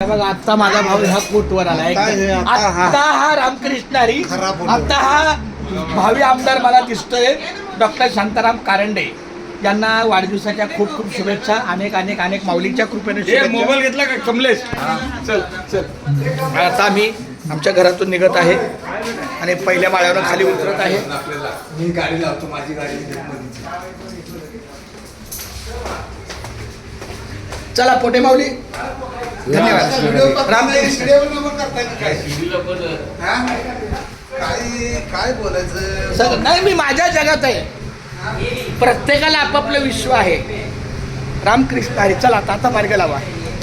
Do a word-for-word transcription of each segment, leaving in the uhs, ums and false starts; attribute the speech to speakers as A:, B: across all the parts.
A: बघा आता माझा भाऊ ह्या कोटवर आला आता हा रामकृष्ण हरी आता हा भावी आमदार मला दिसतोय डॉक्टर शांताराम कारंडे यांना वाढदिवसाच्या खूप खूप शुभेच्छा. अनेक अनेक अनेक माऊलीच्या कृपेने.
B: मोबाईल घेतला का कमलेश? चल चल.
A: आता आम्ही आमच्या घरातून निघत आहे आणि पहिल्या माळ्यावर खाली उतरत आहे.
B: मी गाडी लावतो माझी गाडी.
A: चला पोटे माऊली धन्यवाद. रामकृष्ण.
C: काय काय बोलायचं
A: सर नाही मी माझ्या जगात आहे. प्रत्येकाला आपापलं विश्व आहे. रामकृष्ण हरी. चला आता आता मार्ग लावा.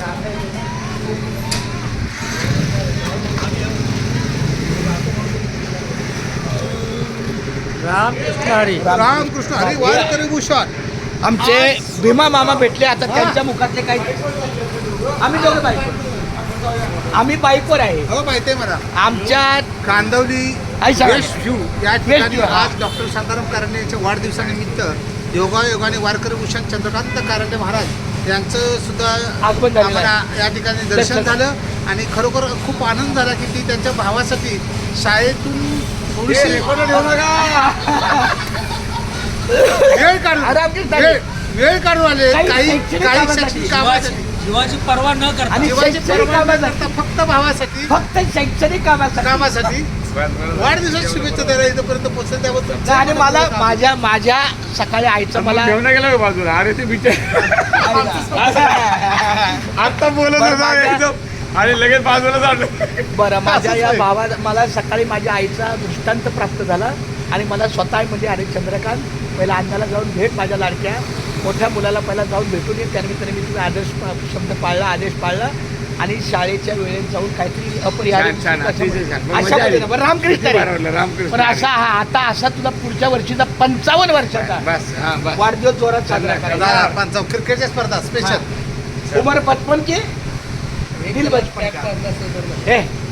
D: रामकृष्ण हरी.
C: रामकृष्ण हरी वारकरी भूषण.
A: आमचे भीमा मामा भेटले. आता त्यांच्या मुखातले काही आम्ही दोघं बाईक आम्ही बाईकवर आहे.
C: हो माहिती आहे मला.
A: आमच्या
C: कांदवली
A: आई सांगा.
C: वेस्ट व्ह्यू या
A: वेस्ट
C: ठिकाणी
A: व्ह्यू, हा.
C: आज डॉक्टर शांताराम कारंडे यांच्या वाढदिवसानिमित्त योगायोगाने वारकरी भूषण चंद्रकांत कारंडे महाराज यांचं सुद्धा
A: आगमन झालेलं आहे.
C: आम्हाला या ठिकाणी दर्शन
A: दर्शन.
C: झालं आणि खरोखर खूप आनंद झाला की ती त्यांच्या भावासाठी शाळेतून थोडीशी वेळ काढून
A: रामकृष्ण हरी.
C: वेळ वेळ काढून आले.
A: काही
C: काही
A: शैक्षणिक
C: काही
A: कामासाठी.
C: शैक्षणिक कामासाठी
D: जीवाची पर्वा न करता
A: आणि
C: जीवाची
A: शैक्षणिक
C: पर्वा न
A: कामासाठी.
C: करता फक्त भावासाठी
A: फक्त शैक्षणिक कामासाठी
C: कामासाठी वाढदिवसाची शुभेच्छा द्यायला इथपर्यंत पोहोचले त्याबद्दल
A: आणि मला माझ्या माझ्या सकाळी आईचं मला
B: घेऊन गेला का बाजूला? अरे ते बिचार आता बोलत
A: बरं,
B: होता
A: माझ्या-
B: एकदम आणि लगेच बाजूला झालं.
A: बरं माझ्या
C: असंच
A: या
C: आहे.
A: भावा मला सकाळी माझ्या आईचा दृष्टांत प्राप्त झाला आणि मला स्वतः म्हणजे अरे चंद्रकांत पहिला अण्णाला जाऊन भेट माझ्या लाडक्या मोठ्या मुलाला पहिला जाऊन भेटून ये. त्यानिमित्ताने मी तुम्ही आदेश शब्द पाळला आदेश पाळला आणि शाळेच्या वेळेत जाऊन काहीतरी अपरिहार्य
B: छान, छान. अतिशय छान. मग
A: अशा
B: मजा आली.
A: पद्धतीनं. बरं, रामकृष्ण हरी.
B: बरोबर, रामकृष्ण
A: पण असा हा आता असा तुझा पुढच्या वर्षीचा पंचावन्न वर्षाचा
B: बस हा बस.
A: वाढदिवस जोरात साजरा करायचा.
C: पंचाव क्रिकेटच्या स्पर्धा स्पेशल
A: उमर बचपन के दिल बचपन का. हे